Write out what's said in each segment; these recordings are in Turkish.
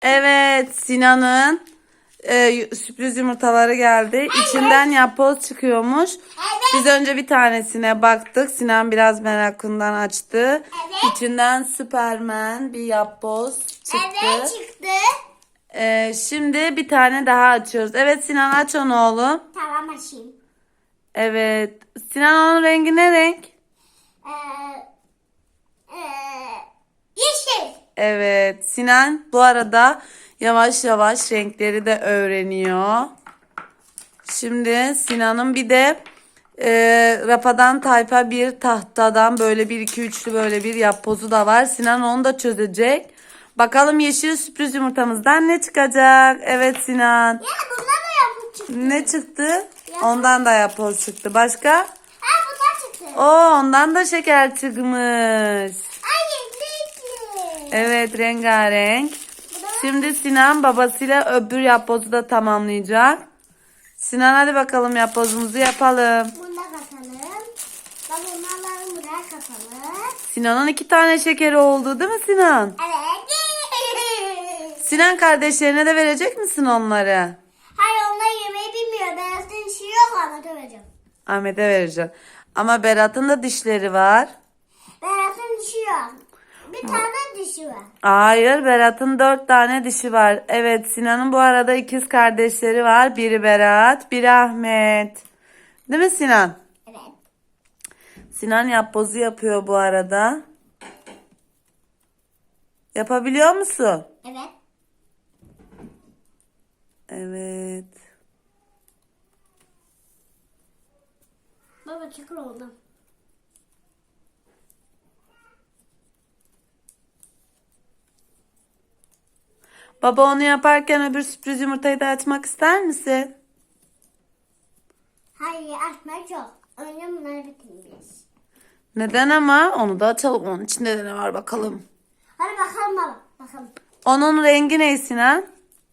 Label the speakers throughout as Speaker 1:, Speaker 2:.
Speaker 1: Evet, Sinan'ın sürpriz yumurtaları geldi. İçinden yapboz çıkıyormuş. Biz önce bir tanesine baktık. Sinan biraz merakından açtı.
Speaker 2: Evet.
Speaker 1: İçinden Süpermen bir yapboz çıktı.
Speaker 2: Evet çıktı.
Speaker 1: Şimdi bir tane daha açıyoruz. Evet Sinan, aç onu oğlum.
Speaker 2: Tamam açayım.
Speaker 1: Evet. Sinan, onun rengi ne renk?
Speaker 2: Ee, yeşil.
Speaker 1: Evet. Sinan bu arada yavaş yavaş renkleri de öğreniyor. Şimdi Sinan'ın bir de rafadan tayfa bir tahtadan böyle bir iki üçlü böyle bir yapbozu da var. Sinan onu da çözecek. Bakalım yeşil sürpriz yumurtamızdan ne çıkacak? Evet Sinan.
Speaker 2: Ya bundan da yapıp çıktı.
Speaker 1: Ne çıktı? Ondan da yapboz çıktı. Başka?
Speaker 2: Ha bundan çıktı.
Speaker 1: Ondan da şeker çıkmış.
Speaker 2: Ay renkli.
Speaker 1: Evet, rengarenk. Şimdi Sinan babasıyla öbür yapbozu da tamamlayacak. Sinan, hadi bakalım yapbozumuzu yapalım.
Speaker 2: Bunu da katalım. Bak bunları buraya katalım.
Speaker 1: Sinan'ın 2 tane şekeri oldu değil mi Sinan?
Speaker 2: Evet.
Speaker 1: Sinan, kardeşlerine de verecek misin onları?
Speaker 2: Hayır onlar yemeği bilmiyor. Beyazın işi yok ama döveceğim.
Speaker 1: Ahmet'e vereceğim. Ama Berat'ın da dişleri var.
Speaker 2: Beyazın dişi yok. Bir tane dişi var.
Speaker 1: Hayır, Berat'ın 4 tane dişi var. Evet, Sinan'ın bu arada ikiz kardeşleri var. Biri Berat, biri Ahmet. Değil mi Sinan?
Speaker 2: Evet.
Speaker 1: Sinan yapbozu yapıyor bu arada. Yapabiliyor musun?
Speaker 2: Evet.
Speaker 1: Evet.
Speaker 2: Baba çıkır oldu.
Speaker 1: Baba onu yaparken öbür sürpriz yumurtayı da açmak ister misin?
Speaker 2: Hayır açmak yok. Önce bunları bitireceğiz.
Speaker 1: Neden ama? Onu da açalım. Onun içinde de ne var bakalım.
Speaker 2: Hadi bakalım baba. Bakalım.
Speaker 1: Onun rengi ne Sinan?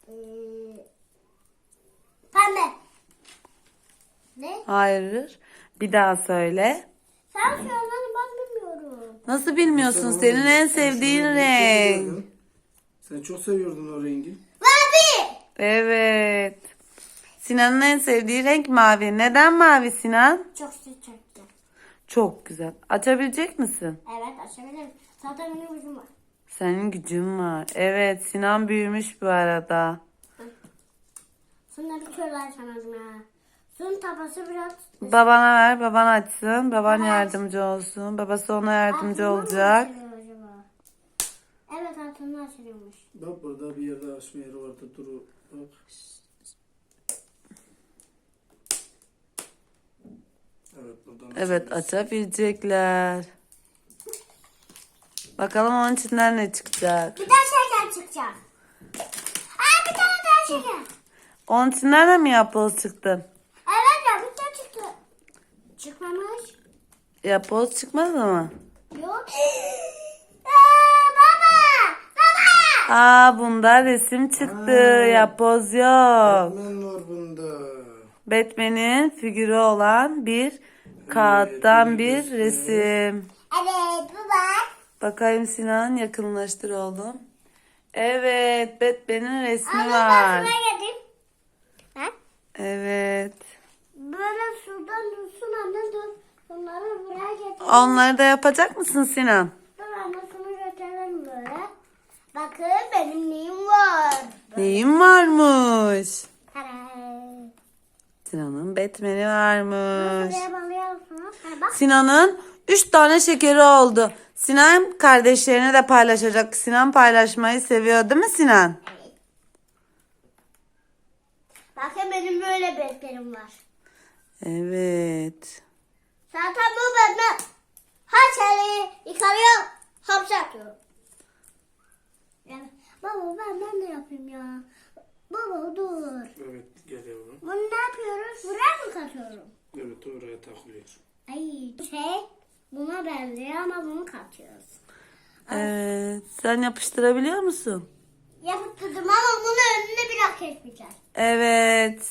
Speaker 2: Pembe. Ne?
Speaker 1: Hayır. Bir daha söyle.
Speaker 2: Sen söylemeni ben bilmiyorum.
Speaker 1: Nasıl bilmiyorsun? Senin en sevdiğin renk.
Speaker 3: Sen çok seviyordun o rengi.
Speaker 2: Mavi.
Speaker 1: Evet. Sinan'ın en sevdiği renk mavi. Neden mavi Sinan?
Speaker 2: Çok sıcak.
Speaker 1: Çok güzel. Açabilecek misin?
Speaker 2: Evet açabilirim. Zaten benim ucum var.
Speaker 1: Senin gücün var. Evet, Sinan büyümüş bu arada.
Speaker 2: Sonra bir şöyle açamadım ya. Suyun tabası biraz...
Speaker 1: Babana ver, baban açsın. Baban yardımcı olsun. Babası ona yardımcı
Speaker 2: Altından mı
Speaker 1: olacak.
Speaker 2: açılıyor acaba? Evet altından açılıyormuş.
Speaker 3: Bak burada bir yerde açma yeri vardı. Dur bak. Evet buradan
Speaker 1: Evet,
Speaker 3: açabiliriz.
Speaker 1: açabilecekler. Bakalım onun içinden ne çıkacak.
Speaker 2: Bir tane şeker çıkacak. Aa bir tane daha şeker.
Speaker 1: Onun içinden de mi yapboz çıktı?
Speaker 2: Evet ya bir tane çıktı. Çıkmamış.
Speaker 1: Yapboz çıkmadı mı?
Speaker 2: Yok. Aa, baba. Baba.
Speaker 1: Bunda resim çıktı. Yapboz yok.
Speaker 3: Batman var bunda.
Speaker 1: Batman'in figürü olan bir kağıttan bir resim.
Speaker 2: Evet baba.
Speaker 1: Bakayım Sinan, yakınlaştır oğlum. Evet, Batman'in resmi
Speaker 2: Ama
Speaker 1: var.
Speaker 2: ben şuraya geldim. Ha?
Speaker 1: Evet.
Speaker 2: Böyle şuradan dursun anne dur. Bunları buraya getir.
Speaker 1: Onları da yapacak mısın Sinan?
Speaker 2: Dur anne şunu götürelim böyle. Bakın benim neyim var.
Speaker 1: Neyin varmış?
Speaker 2: Tada.
Speaker 1: Sinan'ın Batman'i varmış.
Speaker 2: Buraya bağlıyorsunuz. Ha, bak.
Speaker 1: Sinan'ın 3 tane şekeri oldu. Sinan kardeşlerine de paylaşacak. Sinan paylaşmayı seviyor değil mi Sinan?
Speaker 2: Evet. Bakın benim böyle bezlerim var.
Speaker 1: Evet.
Speaker 2: Zaten bu benden her şeyi yıkarıyor, hapse atıyorum. Yani, baba ben de yapayım ya. Baba dur.
Speaker 3: Evet gel yavrum.
Speaker 2: Bunu ne yapıyoruz? Buraya mı katıyorum?
Speaker 3: Evet oraya takılıyor.
Speaker 2: Ay buna benziyor ama bunu katıyoruz.
Speaker 1: Evet. Sen yapıştırabiliyor musun?
Speaker 2: Yapıştırdım ama bunu önüne biraz kesmeyeceğiz.
Speaker 1: Evet.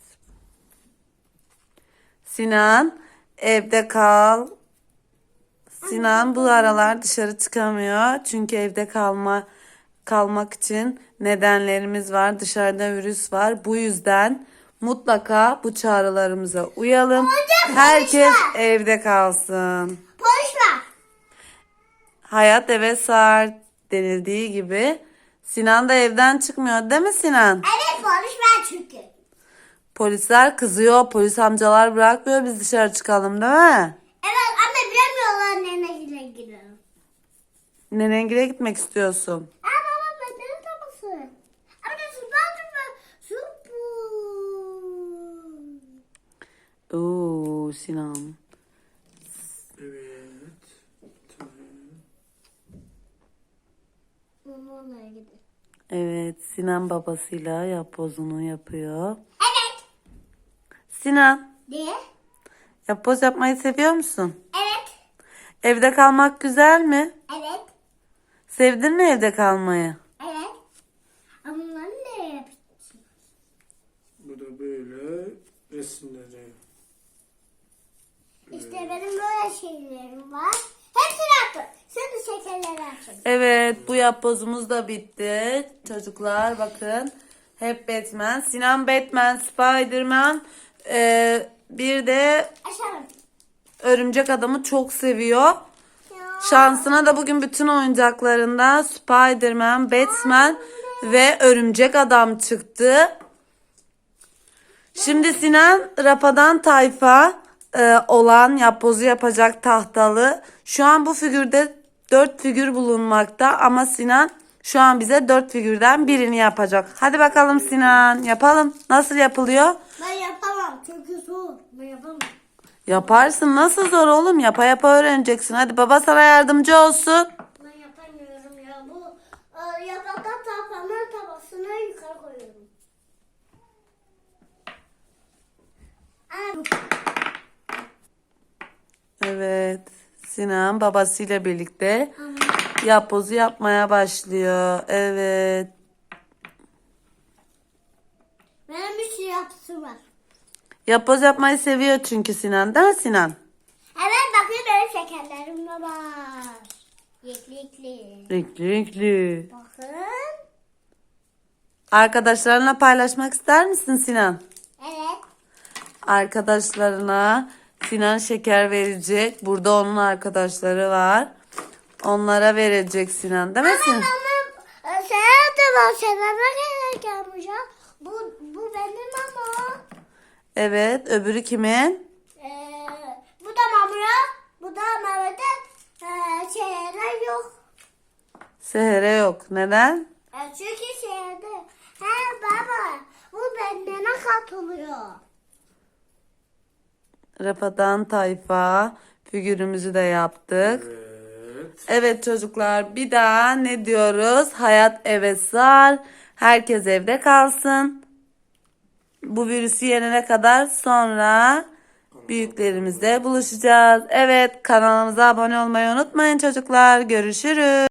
Speaker 1: Sinan evde kal. Sinan bu aralar dışarı çıkamıyor. Çünkü evde kalmak için nedenlerimiz var. Dışarıda virüs var. Bu yüzden mutlaka bu çağrılarımıza uyalım. Herkes evde kalsın.
Speaker 2: Polis var.
Speaker 1: Hayat eve sar denildiği gibi Sinan da evden çıkmıyor değil mi Sinan?
Speaker 2: Evet polis var çünkü.
Speaker 1: Polisler kızıyor. Polis amcalar bırakmıyor biz dışarı çıkalım değil mi?
Speaker 2: Evet anne bilemiyorlar nereye gidelim.
Speaker 1: Nenengile gitmek istiyorsun.
Speaker 2: Aa baba ben ne taması? Ama da su ben su bu.
Speaker 1: Oo Sinan.
Speaker 3: Evet. Tamam.
Speaker 2: Onunla gidelim.
Speaker 1: Evet Sinan babasıyla yapbozunu yapıyor.
Speaker 2: Evet.
Speaker 1: Sinan
Speaker 2: Diye.
Speaker 1: yapboz yapmayı seviyor musun?
Speaker 2: Evet.
Speaker 1: Evde kalmak güzel mi?
Speaker 2: Evet.
Speaker 1: Sevdin mi evde kalmayı?
Speaker 2: Evet. Ama bunları ne yapacağız?
Speaker 3: Bu da böyle resimleri.
Speaker 2: İşte benim böyle şeylerim var. Hepsini attım. Şimdi şekerleri açalım.
Speaker 1: Evet bu yapbozumuz da bitti. Çocuklar bakın. Hep Batman. Sinan Batman, Spiderman. Bir de
Speaker 2: Açalım.
Speaker 1: Örümcek Adam'ı çok seviyor.
Speaker 2: Ya.
Speaker 1: Şansına da bugün bütün oyuncaklarında Spiderman, Batman ve Örümcek Adam çıktı. Şimdi Sinan Rafadan Tayfa olan yapbozu yapacak tahtalı. Şu an bu figürde 4 figür bulunmakta ama Sinan şu an bize 4 figürden birini yapacak. Hadi bakalım Sinan yapalım. Nasıl yapılıyor?
Speaker 2: Ben yapamam çünkü soğuk. Ben yapamam.
Speaker 1: Yaparsın. Nasıl zor oğlum? Yapa yapa öğreneceksin. Hadi baba sana yardımcı olsun.
Speaker 2: Ben yapamıyorum ya. Bu yapraktan tahtanın tabasını yukarı koyuyorum. Anne.
Speaker 1: Evet. Sinan babasıyla birlikte yapbozu yapmaya başlıyor. Evet.
Speaker 2: Benim bir şey yapısı var.
Speaker 1: Yapboz yapmayı seviyor çünkü Sinan. Değil mi Sinan?
Speaker 2: Evet bakın benim şekerlerim de var. Yeklikli.
Speaker 1: Renkli renkli.
Speaker 2: Bakın.
Speaker 1: Arkadaşlarına paylaşmak ister misin Sinan?
Speaker 2: Evet.
Speaker 1: Arkadaşlarına Sinan şeker verecek. Burada onun arkadaşları var. Onlara verecek Sinan. Değil mi Sinan?
Speaker 2: Ama sen de var. Sen de gelmiş ya. Bu benim ama.
Speaker 1: Evet. Öbürü kimin?
Speaker 2: Bu da Mamura. Bu da Mehmet'e şeyler yok.
Speaker 1: Seher'e yok. Neden?
Speaker 2: Çünkü şeyde. He baba. Bu benden katılıyor.
Speaker 1: Rafadan Tayfa figürümüzü de yaptık.
Speaker 3: Evet.
Speaker 1: Evet çocuklar bir daha ne diyoruz? Hayat eve sar. Herkes evde kalsın. Bu virüsü yenene kadar sonra büyüklerimizle buluşacağız. Evet kanalımıza abone olmayı unutmayın çocuklar. Görüşürüz.